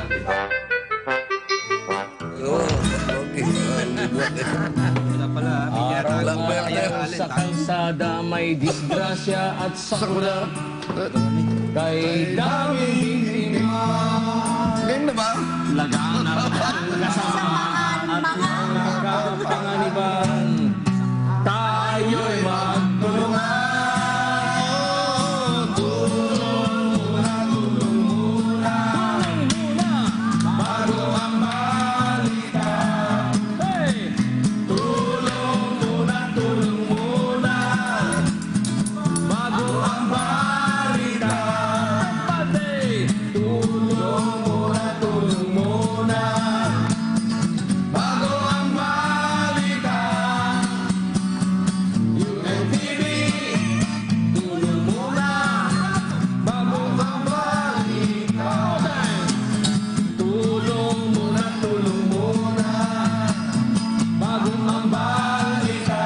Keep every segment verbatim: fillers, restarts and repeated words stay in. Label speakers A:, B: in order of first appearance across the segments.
A: Oo, okay.
B: Wala pala.
C: Araw-araw sa kalsada may disgrasya at sakuna. Kay daming biktima.
A: Ganda ba?
C: Laganap ang kasamaan at mga kapanganiban. Tayo'y magtulungan. Tulong muna, tulong muna. Bago ang balita. Hey! Tulong muna, tulong muna. Bago ang balita. Pati! Tulong muna, tulong muna. Bago ang balita. U N T V, tulong muna. Bago ang balita. Tulong muna, tulong muna. Bago ang balita.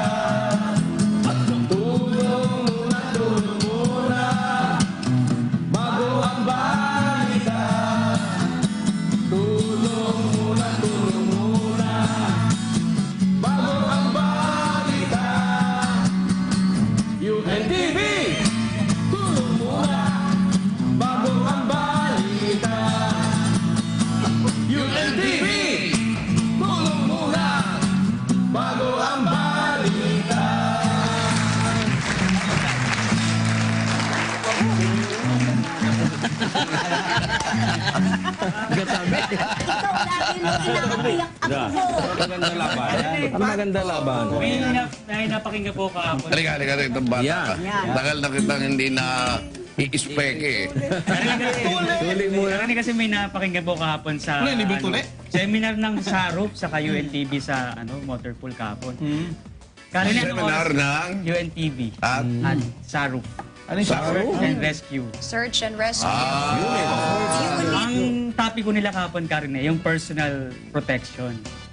C: Tulong muna, tulong muna. Bago ang balita. Tulong muna, tulong muna. Bago ang balita. U N T V, tulong muna. Bago ang balita. U N T V, tulong muna. Bago ang balita.
D: Ikaw lagi mo inaayak ako.
C: Maganda laban. Ang maganda laban.
E: May, na, may napakinggan po kahapon.
A: Halika, halika rin itong bata
C: Yan.
A: ka. Tagal na kitang hindi na i-speke eh.
C: Tuli muna.
E: Kasi, kasi may napakinggan po kahapon sa ano, seminar ng Sarup sa U N T V sa ano Motorpool kahapon. Karina ng
A: Seminar ng...
E: U N T V
A: At...
E: at Sarup.
A: Ano yung
E: Search and Rescue.
F: Search and rescue.
A: Ah,
E: Ang topic ko nila kahapon, Karina, yung personal protection.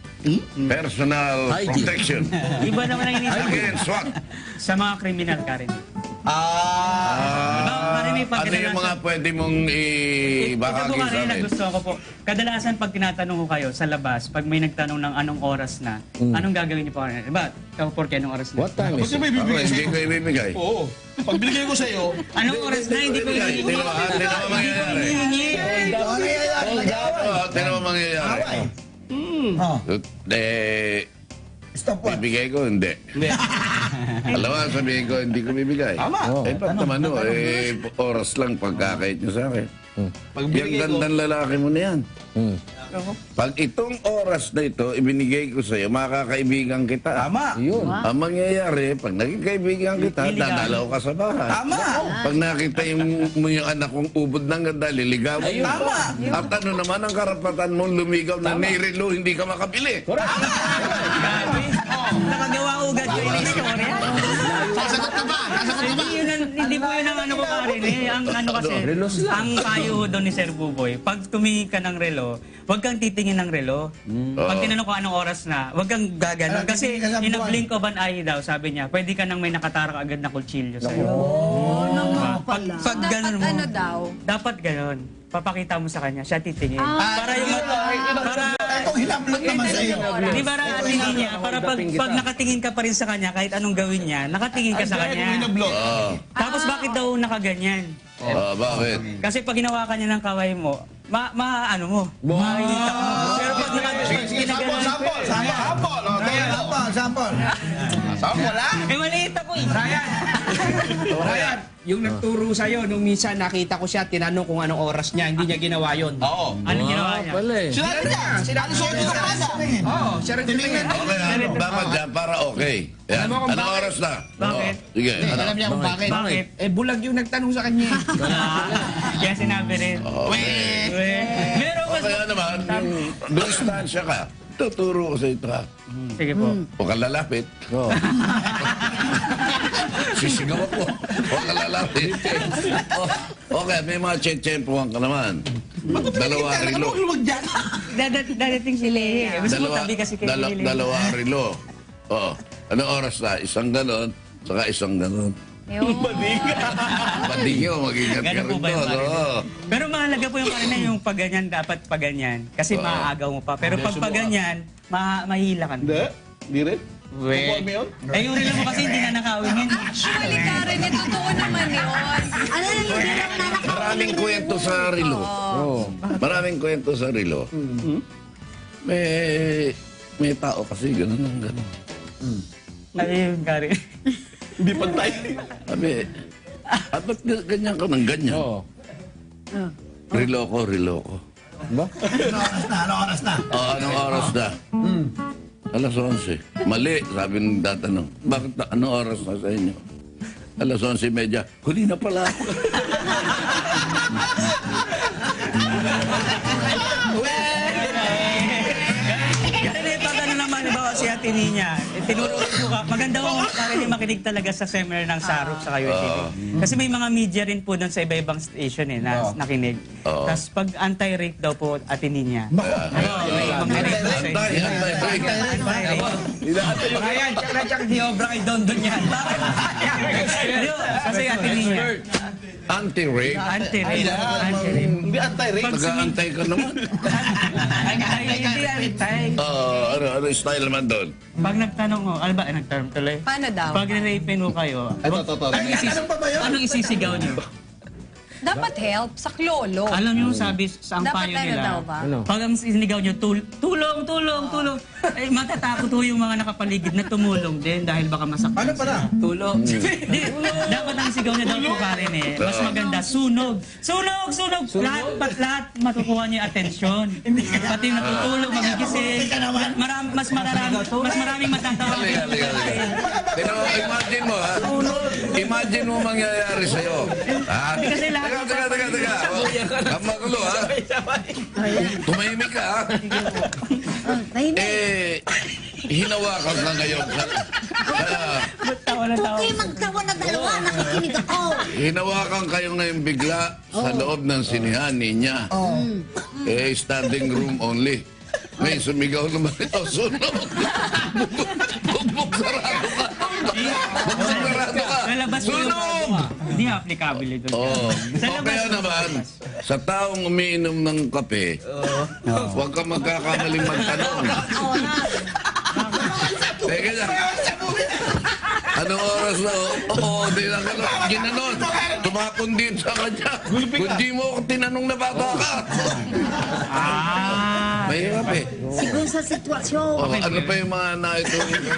A: personal
C: Hygiene.
A: protection.
E: Iba naman ang inisip
A: Against what?
E: sa mga kriminal, Karina.
A: Ah,
E: Diba, Karina, pag
A: ano yung mga pwede mong
E: Ito po,
A: ibahagi sa
E: Karina,
A: amin?
E: gusto ko po. Kadalasan pag tinatanong ko kayo sa labas, pag may nagtanong ng anong oras na, anong gagawin niyo po, Karina? Diba? Ikaw, Porky, anong oras na?
C: What time is
G: Kasi may
C: it?
A: Ako,
G: bibigay
A: hindi
G: sa'yo.
A: ko ibibigay.
G: Oo. Pag binigay ko sa'yo,
E: Anong oras na? Hindi ko
A: Hindi
E: hihingi.
A: naman, hindi naman mangyayari.
E: Hihingi.
A: Oo, hindi naman mangyayari.
G: Ah.
A: Eh,
G: Stop what?
A: bibigay ko, hindi. Alam mo, sabihin ko, hindi ko bibigay.
G: Tama.
A: Eh, ba't naman no, eh, oras lang pagkakait niyo sa akin.
G: Pag
A: Yung
G: binigay ko,
A: gandang lalaki mo na yan.
C: Hmm.
A: Pag itong oras na ito, ibinigay ko sa'yo, makakaibigan kita.
G: tama.
C: Yun.
A: Ang mangyayari, pag naging kaibigan kita,
E: Iligaw.
A: dadalaw ka sa bahay.
G: Tama.
A: Pag nakita yung, mo yung anak kong ubod ng ganda, liligawan mo.
G: Tama.
A: At ano naman ang karapatan mong lumigaw na nirelo, hindi ka makabili.
E: Grabe. Nakagawa ugad kayo ng istorya.
G: Sasagot ka ba? Sasagot ka ba?
E: Hindi, yun ang- hindi po yun ang ano ko, Karin. Eh. Ang ano kasi,
C: Relos lang.
E: ang payo ho doon ni Sir Buboy, pag tumingin ka ng relo, huwag kang titingin ng relo. Pag tinanong ko anong oras na, huwag kang gaganon.
G: Ano,
E: Kasi
G: titingin ka sa
E: in a
G: buwan.
E: blink of an eye daw, sabi niya, pwede ka nang may nakatarak agad na kutsilyo sa'yo.
D: Oo naman
E: Pag,
D: pala.
E: pag
F: Dapat
E: ganon mo,
F: ano daw?
E: dapat ganon. Papakita mo sa kanya, siya titingin.
F: Ah,
E: para yung para
G: Itong hinablot naman sa'yo.
E: di ba ra tingin niya para pag, pag nakatingin ka pa rin sa kanya kahit anong gawin niya, nakatingin ka sa
G: Itong
E: kanya.
G: hinablot.
A: Oo.
E: Tapos bakit daw nakaganyan?
A: Ah, bakit?
E: Kasi pag hinawakan niya ng kaway mo, ma, ma ano mo, makikita mo. Pero pag
G: Sige,
E: nakaganyan,
G: sige, sample, sample. Sample, sample. O, tingnan mo. Sample, sample. Sample, ha?
E: eh maliit ako eh.
B: Ryan, yung nagturo sa'yo, nung minsan nakita ko siya, tinanong kung anong oras niya, hindi niya ginawa yun.
G: Oo.
E: Anong ginawa niya?
C: Pala eh.
G: Sinabi niya. Sinabi niya. Sinabi niya.
B: Oo, siya rin tinignan.
A: Okay, ano, dapat dyan para okay. Yan.
B: Alam mo kung
A: Anong
B: bakit?
A: oras na?
E: Bakit?
A: Oo. Sige, ano?
G: Alam niya kung bakit.
E: Bakit?
B: Eh, bulag yung nagtanong sa kanya.
E: Ah, Kaya sinabi rin.
A: Okay.
E: Eh, Meron mas...
A: Okay, ano naman, yung distansya ka, tuturo ko sa ito ha.
E: Sige po.
A: Huwag kang lalapit.
C: Oo.
A: Sisigaw ako. Huwag kang lalapit. Oh, okay, may mga tsetsempuhan ka naman. Dalawa rilo.
G: Huwag dyan.
E: Dadat, dadating si Lehi. Gusto mo
A: Dalawa,
E: tabi kasi kay
A: dala,
E: Lehi.
A: dalawa rilo. Oo. Anong oras na? Isang ganon, saka isang ganon.
D: Yun.
A: Badingo, mag-ingat ka
E: Ganun po
A: rin
E: ba yung
A: doon.
E: marinig?
A: oo.
E: Pero mahalaga po yung karina yung pag ganyan, dapat pag ganyan. Kasi maaagaw mo pa. Pero pag pag ganyan, ma mahihila ka.
C: Hindi? Hindi rin?
E: We.
C: Nakuha mo yun?
E: Eh, yung relo mo kasi hindi na nakawin yun.
F: Actually, Karen, eh, totoo naman yun.
D: Ano yung hindi lang nanakaw?
A: Maraming kwento sa rilo.
C: Oo.
A: Maraming kwento sa rilo. May, may tao kasi gano'n ang gano'n.
E: Ano yung Karen?
C: Hindi pantay.
A: Sabi, ah, ba't ga- ganyan ka ng ganyan?
C: Oo.
A: Rilo ko, rilo ko.
C: Ba?
G: Ano oras na? Ano oras na?
A: Oh, anong oras na? Alas onse. Mali, sabi ng tatanong. Bakit na, anong oras na sa inyo? Alas onse media. Huli na pala ako.
E: Ganun eh, pag ano naman, halimbawa si Ate Nina, eh, tinuro ko ka, maganda ko Karen yung makinig talaga sa seminar ng Sarok sa U N T V. Kasi may mga media rin po doon sa iba-ibang station eh, na nakinig.
A: Oo.
E: Tapos pag anti-rape daw po Ate Nina. Ano, may mag-rape daw sa
A: Antay,
E: inyo.
A: antay, break.
E: Anti-rape.
B: Brian, tsaka na tsaka di obra kay Don Don yan. Bakit?
E: Ayun, kasi Ate Nina.
A: Anti-rape.
E: Anti-rape. Anti-rape.
C: Hindi anti-rape.
A: Nag-aantay ka naman.
E: Antay, hindi antay.
A: Oo, ano, ano yung style naman doon?
E: Pag nagtanong mo, ano ba, nagtanong tuloy?
F: Paano daw?
E: Pag nirape mo kayo,
C: Ito, ito, ito.
E: anong, isis
G: Ano pa ba yun?
E: anong isisigaw niyo?
F: Dapat help sa klolo.
E: Alam niyo sabi sa ang
F: Dapat
E: payo
F: ano
E: nila.
F: daw ba?
C: Ano?
E: Pag ang sinigaw niyo, tul tulong, tulong, tulong. Eh, matatakot ho yung mga nakapaligid na tumulong din dahil baka masaktan.
G: Ano pala?
E: Tulong. Di, dapat ang sigaw niya daw po Karen eh. Mas maganda, sunog. Sunog, sunog. Lahat, pat, lahat matukuha niyo yung atensyon. Pati yung natutulog, magigising. Marami, mas mararami, mas maraming matatawa.
A: Halika, halika, halika. Tingnan mo, imagine mo, ha? Imagine mo mangyayari sa'yo. Ha?
E: Hindi kasi lahat-
A: Teka, teka, teka, teka. Ang magulo, ha? Tumahimik ka, ha?
D: Oh, tahimik.
A: Eh, hinawakan ka ngayon. Kaya,
E: Tawa na tawa.
D: Okay, magtawa na dalawa. Nakikinig ako.
A: hinawakan kayo ngayon bigla sa loob ng sinihan niya. Eh, standing room only. Ngayon, sumigaw naman ito, sunog. Bugbog sarado ka. Bugbog sarado ka.
E: Lalabas mo yung
A: Sunog!
E: Hindi applicable ito.
A: Oo.
E: Sa
A: O
E: labas-
A: kaya naman, sa taong umiinom ng kape, huwag ka magkakamaling magtanong. Teka na. Anong oras na? Oo, di lang ano. Ginanon. Tumakon din sa kanya. Kung di mo ako tinanong na bata ka.
E: Ah.
A: Mahirap eh.
D: Siguro sa sitwasyon.
A: O, ano pa yung mga naito?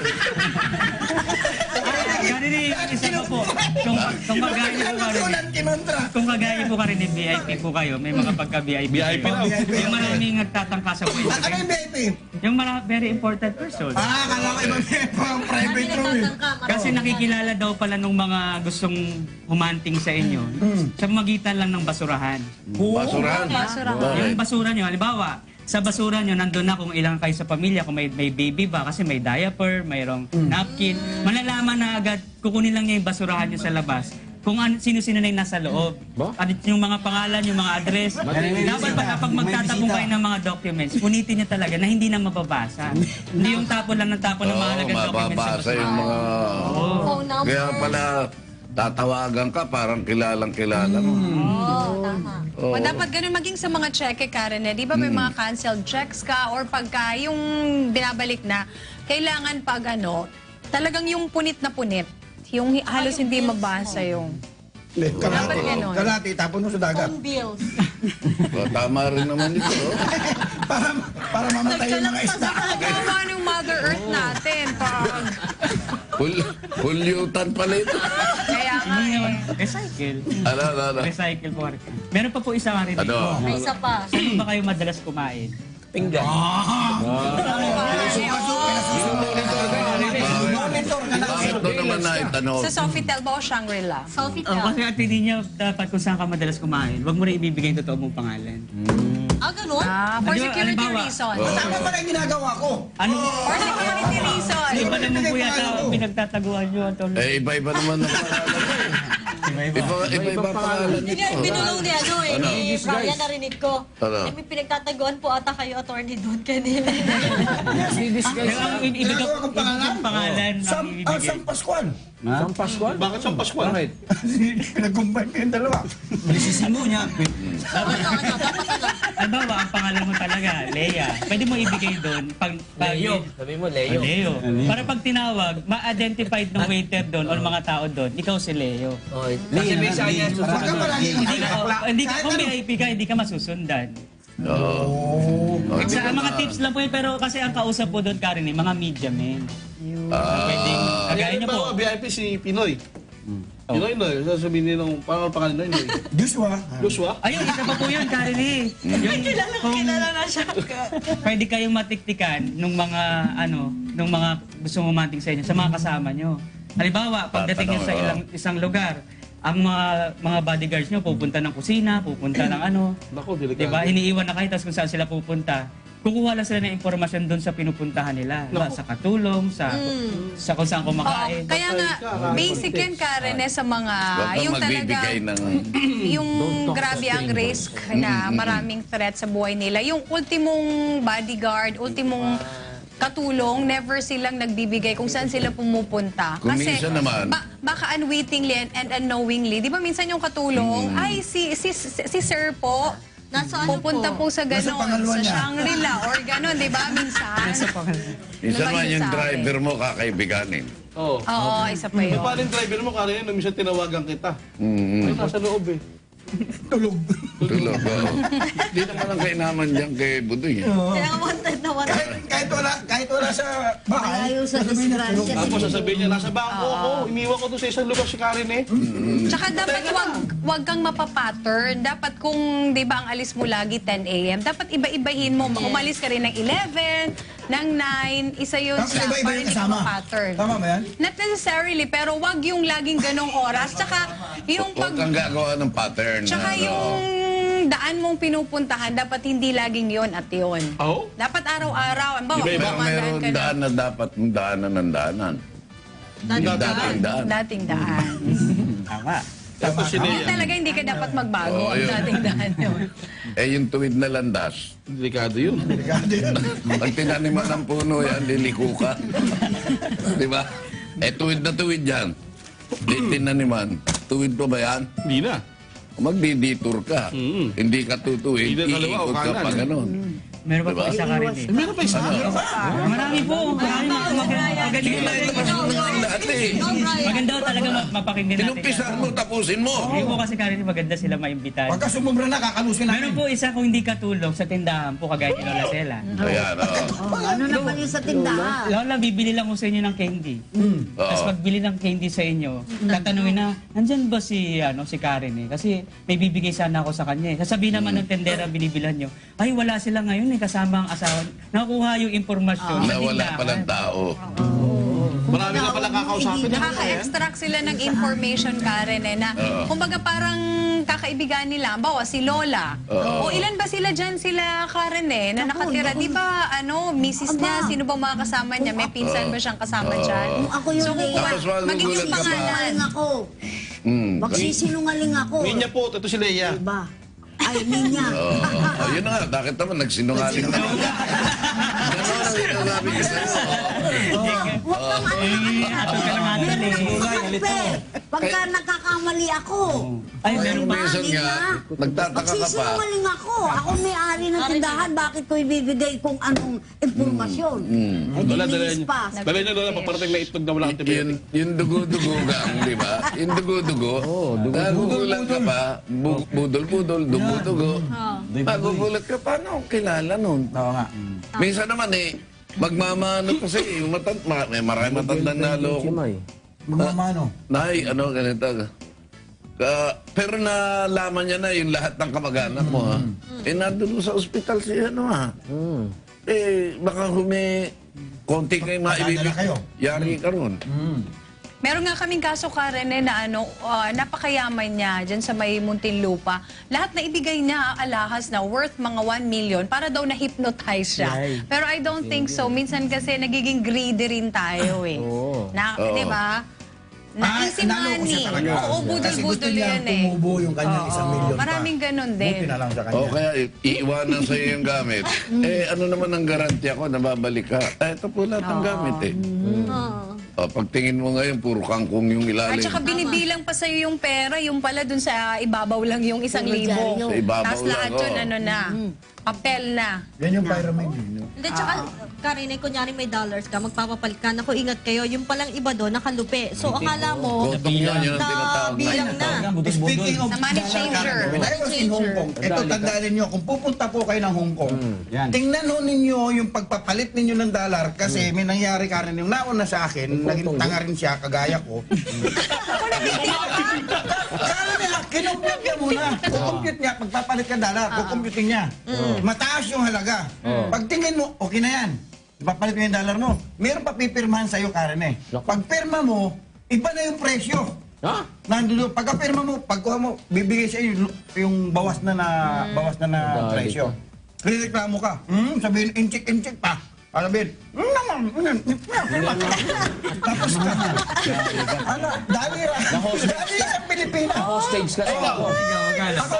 E: Ganun eh, yung isa pa po. Kung, kung kagaya po ka rin,
G: Ulan kinontra.
E: kung kagaya po ka rin V I P po kayo, may mga pagka-V I P
C: V I P
E: kayo.
C: na.
E: Yung maraming nagtatangka sa buhay.
G: Ano yung V I P?
E: Yung mara- very important person.
G: Ah, kala ko ibang pang private room eh.
E: Kasi nakikilala daw pala nung mga gustong humanting sa inyo sa magitan lang ng basurahan.
A: Basurahan.
F: Basurahan.
E: Yung basura nyo, halimbawa, sa basura nyo, nandun na kung ilang kayo sa pamilya, kung may, may baby ba, kasi may diaper, mayroong napkin. Malalaman na agad, kukunin lang niya yung basurahan nyo sa labas. Kung an, sino-sino na yung nasa loob.
C: Ba?
E: At yung mga pangalan, yung mga address. Dapat pa kapag magtatapong kayo ng mga documents, punitin nyo talaga na hindi na mababasa. Hindi yung tapon lang ng tapon ng
A: Oo,
E: mahalagang documents sa
A: mababasa
E: basura.
A: yung mga...
D: Phone number.
A: Kaya pala, tatawagan ka, parang kilalang kilala mo.
F: Oo, tama.
A: Oo.
F: O dapat ganun maging sa mga cheque, Karen, eh. Di ba may mga canceled checks ka or pagka yung binabalik na, kailangan pag ano, talagang yung punit na punit. Yung hi- halos hindi mabasa yung...
G: Hindi, kalahati.
F: Dapat ganun.
G: Kalahati, tapon mo sa dagat.
D: bills.
A: O, tama rin naman ito. oh.
G: Para, para mamatay yung mga isda.
F: Kawawa ng Mother Earth natin. Pag...
A: Hul hulyutan pala ito.
F: Kaya nga
E: Hindi naman,
F: eh.
E: recycle.
A: Ano, ano, ano?
E: Recycle po. Meron pa po isa nga rin.
A: Ano?
D: May isa pa.
E: Saan ba kayo madalas kumain?
C: Pinggan.
G: Monitor ka na.
A: Bakit doon naman na itanong?
F: Sa Sofitel ba o Shangri-La?
D: Sofitel.
E: Oh, kasi at hindi niya dapat kung saan ka madalas kumain, huwag mo rin ibibigay yung totoo mong pangalan.
D: Ah, ganun?
F: Ah, for
E: Di ba,
F: security
E: halimbawa,
F: reasons.
G: Tama pala yung ginagawa ko.
E: Ano?
F: For security reasons.
E: Iba naman po yata ang pinagtataguan nyo, Antonio.
A: Eh, iba-iba naman ang pangalan mo. Iba, iba, iba pangalan
D: Hindi
A: nito.
D: nga, binulong ni ano eh,
A: Ano?
D: ni Brian, narinig ko.
A: Ano?
D: Eh, may pinagtataguan po ata kayo, attorney doon kanina.
E: Pero ang i- iba
G: Ginagawa kong pangalan?
E: ang pangalan ang
G: Sam, ah,
E: ibibigay.
G: Sam Pascual.
C: Sam Pascual? Bakit Sam Pascual? Bakit?
G: Pinag-combine ko yung dalawa.
H: Lisisimo niya.
E: Halimbawa, ang pangalan mo talaga, Leia. Pwede mo ibigay doon pag, pag
I: Leo. Sabi mo, Leo.
E: Leo. Para pag tinawag, ma-identified ng waiter doon o mga tao doon, ikaw si Leo.
I: Oh, kasi may saya
G: Huwag ka palagi
E: Hindi ka,
G: akla.
E: hindi ka,
G: Kahit
E: kung
G: ano.
E: V I P ka, hindi ka masusundan.
A: Oo. Oh,
E: Sa mga tips lang po yun, pero kasi ang kausap po doon, Karen, eh, mga media men. Pwedeng, kagaya niyo po.
C: V I P si Pinoy. Pinoy, no? Sasabihin nila, parang pangalan na yun.
G: Joshua.
C: Joshua?
E: Ayun, isa pa po yun, Karen eh. Yung, kung
D: na siya.
E: pwede kayong matiktikan nung mga, ano, nung mga gusto umanting sa inyo, sa mga kasama nyo. Halimbawa, pagdating nyo sa ilang, isang lugar, ang mga mga bodyguards nyo pupunta ng kusina, pupunta ng ano,
C: Naku, delikado.
E: diba? Iniiwan na kayo, tapos kung saan sila pupunta, kukuha lang sila ng impormasyon doon sa pinupuntahan nila. Diba? Sa katulong, sa sa kung saan
F: Oo,
E: kumakain.
F: kaya nga, basic yan, Karen, eh, sa mga,
A: Huwag kang
F: yung talaga,
A: magbibigay ng...
F: yung grabe ang risk na maraming threat sa buhay nila. Yung ultimong bodyguard, ultimong katulong, never silang nagbibigay kung saan sila pumupunta.
A: Kung minsan naman-
F: ba- baka unwittingly and, and unknowingly, di ba minsan yung katulong, ay si, si, si, si sir po,
D: Nasa ano
F: pupunta po
D: po?
F: sa
G: Nasa
F: ganon,
G: pangalawa
F: sa
G: niya.
F: Shangri-La or ganon, di ba minsan?
A: Minsan
F: Diba
A: man
F: yun
A: yung
F: sa akin?
A: driver mo kakaibiganin.
C: Oo.
F: Oo, isa pa yun.
C: Yung parang driver mo, Karen, nung minsan tinawagan kita.
A: Mm-hmm.
C: Ay, nasa loob eh.
G: Tulog.
A: Tulog, oo. Hindi naman ang kainaman dyan kay Budoy. eh.
D: Kaya nga wanted na wanted.
G: Kahit, kahit, wala, kahit wala sa bahay.
D: Malayo sa
G: sasabihin niya, tulog.
D: disgrasya.
C: Tapos sasabihin niya, nasa bangko ako. Iniwan ko doon sa isang lugar si Karen eh.
F: Tsaka dapat wag, wag kang mapapattern. Dapat kung, di ba, ang alis mo lagi ten a m, dapat iba-ibahin mo. Umalis ka rin ng eleven, ng nine, isa yun
G: Tapos
F: sa,
G: iba-iba
F: para
G: yung
F: hindi ka
G: kasama.
F: mapattern.
G: Tama ba yan?
F: Not necessarily, pero wag yung laging ganong oras. Tsaka yung
A: Huwag
F: pag...
A: kang gagawa ng pattern.
F: Tsaka
A: ano.
F: yung daan mong pinupuntahan, dapat hindi laging yon at yon.
C: Oo?
F: Dapat araw-araw. Ang bawa,
C: Iba-iba.
A: Pero meron
F: ka na.
A: daan na dapat mong daanan ng daanan. Yung dating daan.
F: Dating daan.
E: Tama.
C: Tapos si
F: Hindi
C: Lea.
F: talaga hindi ka dapat magbago.
A: Oo,
F: ang
A: yun.
F: dating daan yun.
A: Eh, yung tuwid na landas,
C: Delikado yun.
G: Delikado yun.
A: pag tinaniman ng puno yan, liliko ka. Di ba? Eh, tuwid na tuwid yan. Di tinaniman. Tuwid pa ba yan?
C: Hindi na.
A: Magdi-detour ka.
C: Mm.
A: Hindi ka tutuwid.
C: Hindi na kaliwa o
A: Iikot ka
C: kanan.
A: pa ganun.
E: Meron pa po
A: Diba?
E: isa ka rin eh.
C: Meron pa isa.
E: Marami po. Marami mga magaling.
A: Dati,
E: Maganda ho talaga ma- mapakinggan natin.
A: inumpisan mo, tapusin mo.
E: Hindi po kasi Karen, maganda sila maimbitahan.
G: Pagka sumubra na, kakalusin namin.
E: Meron po isa kung hindi katulog sa tindahan po kagaya ni Lola Sela.
A: Ayan, oo.
D: Oh, ano naman yung sa tindahan?
E: Lola, bibili lang ko sa inyo ng candy. Tapos
A: Oo.
E: pagbili ng candy sa inyo, tatanungin na, nandyan ba si, ano, si Karen eh? Kasi may bibigay sana ako sa kanya eh. Sasabihin naman ng tendera, binibilan nyo, ay wala sila ngayon eh, kasama ang asawa. Nakuha yung impormasyon. sa
A: Na wala
E: tindahan.
A: palang tao.
C: Marami na pala kakausapin.
F: Nakaka-extract sila ng information, Karen, eh, na kumbaga parang kakaibigan nila, bawa si Lola. O ilan ba sila dyan, sila Karen eh, na nakatira? Di ba, ano, misis niya, sino bang mga kasama niya? May pinsan ba siyang kasama dyan?
D: Kung ako yung
F: So,
D: Leia,
A: Tapos magugulat
F: magiging
A: ka pa.
F: pangalan.
D: magsisinungaling ako.
A: Hmm.
D: Magsisinungaling ako.
C: Ninya po, ito si Lea.
D: Diba? Ay, ninya.
A: Oo. Oh, yun na nga, bakit naman nagsinungaling ka? Gano'n ang sinasabi ko sa'yo.
D: Huwag kang ano.
E: Eh, ato ka lang natin
D: Meron
E: eh.
D: akong kakampi. Pagka nagkakamali ako.
E: Ay,
D: O,
E: meron
D: diba,
A: minsan
D: di
A: nga,
D: ba?
A: nagtataka ka pa.
D: Magsisinungaling ako. Ako may-ari ng tindahan. Bakit ko ibibigay kung anong impormasyon? Eh, di
C: Lola, dala
D: linis
C: niyo.
D: pa.
C: Dala niyo, Lola, paparating na itlog na walang
A: Yun,
C: antibiotic.
A: yung dugo-dugo gang, di ba? Yung dugo-dugo. Nagugulat ka pa. Bu- Budol-budol, dugo-dugo. Nagugulat ka pa. Ano ang kilala nun?
G: Oo nga.
A: Minsan naman eh, magmamano kasi. Yung matan, ma- may marami matandang naloko.
G: Magmamano.
A: Nay, ano, ganito. Ka, pero nalaman niya na yung lahat ng kamag-anak mo, ha? Eh, nandun sa ospital siya, ano, ha? Eh, baka humi, konti kayo maibibig.
G: Padadala kayo.
A: Yari ka ron.
F: Meron nga kaming kaso, Karen, eh, na ano, ah, napakayaman niya dyan sa may Muntinlupa. Lahat na ibigay niya alahas na worth mga one million para daw na-hypnotize siya. Pero I don't think so. Minsan kasi nagiging greedy rin tayo eh. Na,
A: Oo.
F: di ba? na
G: Ah,
F: easy
G: naloko
F: money.
G: siya talaga.
F: Oo,
G: Kasi gusto
F: budol-budol
G: niya
F: yan eh.
G: tumubo yung kanyang
F: Oo,
G: isang milyon pa.
F: maraming ganun din.
G: Buti na lang sa kanya.
A: O kaya i- iiwanan sa iyo yung gamit. eh ano naman ang garanti ako na babalik ka? Eh, ito po lahat ng gamit eh. O, pagtingin mo ngayon, puro kangkong yung
F: At
A: ilalim.
F: saka binibilang pa sa'yo yung pera, yung pala dun sa ibabaw lang yung isang libo.
A: Sa ibabaw
F: Tapos lahat
A: lang,
F: yun,
A: oh.
F: ano na, papel na.
G: Yan yung pyramid. no?
H: Hindi, tsaka, Karen, eh, kunyari may dollars ka, magpapapalit ka. Naku, ingat kayo. Yung palang iba doon, nakalupi. So, akala mo,
A: Gotong yan, yun ang
H: na
A: tinatawag na.
H: bilang na.
G: Speaking of
F: Sa money
G: dollar
F: changer.
G: currency, when I was in Hong Kong, ito tandaan ninyo, kung pupunta po kayo ng Hong Kong,
C: Yan.
G: tingnan ho ninyo yung pagpapalit ninyo ng dollar kasi may nangyari Karen yung nauna sa akin, naging tanga rin siya, kagaya ko. Kala niya, kinumpute niya muna. Kukumpute niya, pagpapalit ka dollar, kukumpute niya. Mataas yung halaga. Pagtingin mo, okay na yan. Ipapalit mo yung dollar mo. Meron pa pipirmahan sa'yo, Karen eh. Pag pirma mo, iba na yung presyo.
C: Ha?
G: Nandulo, pagka-pirma mo, pagkuha mo, bibigay sa iyo yung bawas na na bawas na na presyo. Reklamo ka. Hmm, sabihin inchik-inchik pa. Sabihin, hmm, naman, hmm, tapos ka na. Ano, dali ra. Dali sa Pilipinas.
I: Hostage ka.
G: Ikaw.
E: Ikaw, akala.
G: Ako,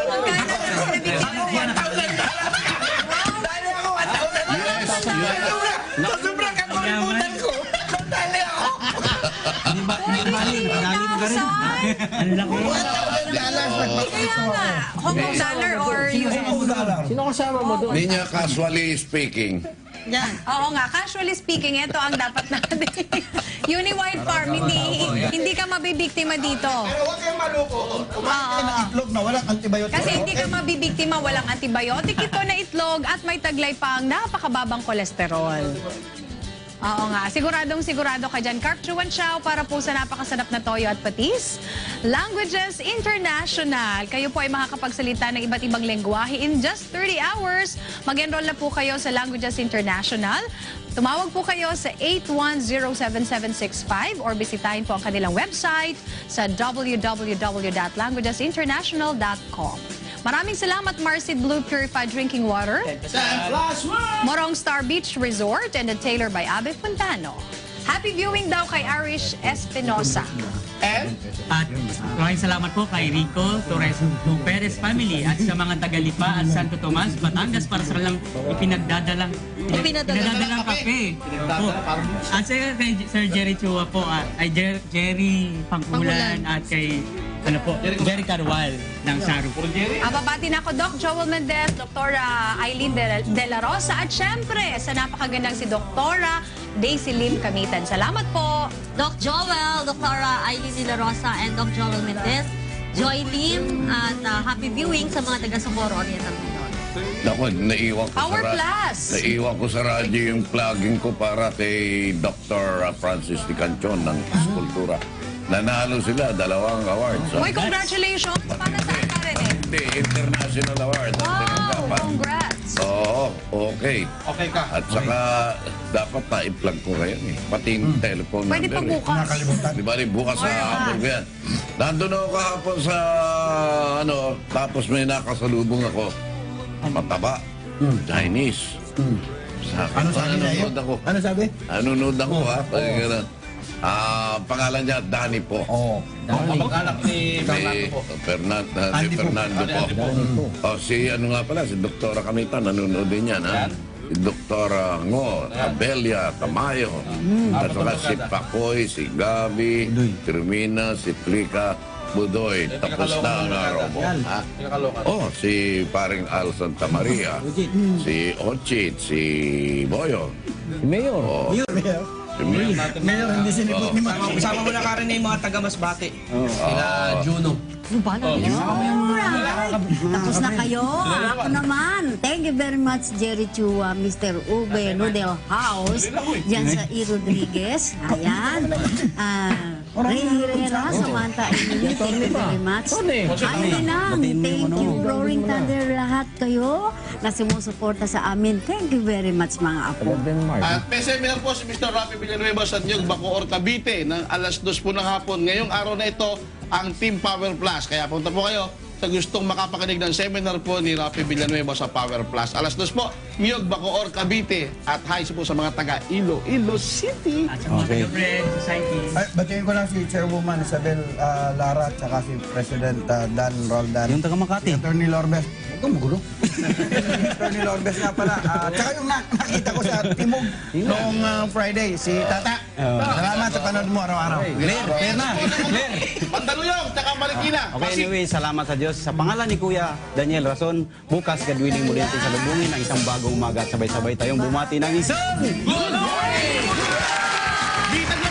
G: dali ako, one thousand.
A: Yes, yes.
G: Sa sobrang kakalimutan ko. Dali ako.
E: Di ba? Mali, madali mo ka rin. Ang laki.
G: Dollars, nagpapalito ako.
F: Hong Kong dollar or U S?
G: One dollar.
I: Sino kasama mo doon?
A: Hindi niya casually speaking.
H: Yan.
F: Oo nga, casually speaking, ito ang dapat natin. Uni-White Farm, hindi hindi ka mabibiktima dito.
G: Pero huwag kayong maloko. Kumain kayo ng itlog na walang antibiotic.
F: Kasi hindi ka mabibiktima, walang antibiotic ito na itlog at may taglay pang napakababang kolesterol. Oo nga, siguradong sigurado ka dyan. Carp Chuan Chow para po sa napakasarap na toyo at patis. Languages International. Kayo po ay makakapagsalita ng iba't ibang lengguwahe in just thirty hours. Mag-enroll na po kayo sa Languages International. Tumawag po kayo sa eight one zero seven seven six five or bisitahin po ang kanilang website sa w w w dot languages international dot com. Maraming salamat, Marcy Blue Purified Drinking Water, Morong Star Beach Resort, and the Taylor by Abe Fontano. Happy viewing daw kay Arish Espinosa.
C: And?
E: At maraming salamat po kay Rico Torres Perez family at sa mga taga-Lipa at Santo Tomas, Batangas para sa kanilang ipinagdadalang
H: Ipinadala.
E: pinadadalang kape. Po. At sa kay Sir Jerry Chua po, at ay Jer- Jerry Pangkulan at kay ano po, Jerry Carwal ng Saru.
F: Ababati na ako, Doc Joel Mendez, Doktora Eileen De, De La Rosa, at syempre sa napakagandang si Doktora Daisy Lim Kamitan. Salamat po.
H: Doc Joel, Doctora Aileen De La Rosa, and Doc Joel Mendez, Joy Lim, at uh, happy viewing sa mga taga Socorro Oriental Mindoro.
A: Ako, naiwan ko
F: Power
A: sa ra-
F: Plus.
A: Naiwan ko sa radyo yung plugging ko para kay Doctor Francis Di Canchon ng Eskultura. Nanalo sila, dalawang awards. So,
F: Uy, congratulations. Para saan ka rin eh?
A: hindi, international award. ang
F: Wow,
A: tinanggapan.
F: congrats.
A: Oo, okay.
C: Okay ka.
A: At saka, dapat na-i-plug ko kayo eh. Pati yung telephone
F: Pwede pa
A: number. eh.
F: bukas.
G: Nakalimutan.
A: Di ba rin bukas sa hapon ko yan. Nandun ako kahapon sa ano, tapos may nakasalubong ako. Mataba. Chinese. Sa akin,
G: Ano sabi niya yun?
A: nanonood ako.
G: Ano sabi?
A: Nanonood ako ha. Pag ganun. Ah, pangalan niya, Danny po.
G: Oo.
C: Kapag-anak ni Fernando
A: Si
C: po.
A: Fernando, si
G: Andy po.
A: Fernando po. Oh, si ano nga pala, si Doktora Kamita, nanonood din yan, ha? Si Doktora Ngo, Abelia, Tamayo, at saka si Pakoy, si Gabi, si Rumina, si Plika, Budoy. Tapos na ang araw mo. Ha?
C: Pinakalokan.
A: Oh, si paring Al Santa Maria, si Ochit, si Boyo.
I: Si Mayor.
A: Oh,
G: Mayor, Mayor.
A: si Mayor.
G: Mayor, hindi sinipot ni Mama.
B: Kasama mo na ka rin yung mga taga-Masbate. Sila Juno.
D: Ano ba na yun? Alright. Tapos na kayo. Ako naman. Thank you very much, Jerry Chua, Mister Ube Nudel House, dyan sa E. Rodriguez. Ayan. Ah, Ray Herrera, Samantha Emily, thank you very much. Ay, lang. Thank you, Roaring Thunder, lahat kayo na sumusuporta sa amin. Thank you very much, mga apo.
C: At may seminar po si Mister Rafi Villanueva sa Nyog, Bacoor, Cavite ng alas dos po ng hapon. Ngayong araw na ito, ang Team Power Plus. Kaya punta po kayo. sa gustong makapakinig ng seminar po ni Rafi Villanueva sa Power Plus. Alas dos po, Miyog, Bacoor, Cavite. At hi po sa mga taga Iloilo City.
E: At sa mga taga-Friend Society.
G: Ay, batiin ko lang si Chairwoman Isabel ah, Lara at saka si President ah, Dan Roldan.
J: Yung taga Makati.
G: Si Attorney Lorbes. Huwag kang magulo. Attorney Lorbes nga pala. Ah, tsaka yung na- nakita ko sa Timog noong ah, Friday, si Tata. Salamat sa panood mo araw-araw.
J: Clear, clear na. Clear.
C: Mandaluyong, tsaka Marikina.
J: Okay, anyway, salamat sa Diyos. Sa pangalan ni Kuya Daniel Rason, bukas gadwiling muli natin sa lubungin ang isang bagong umaga at sabay-sabay tayong bumati ng isang
C: Good morning! Di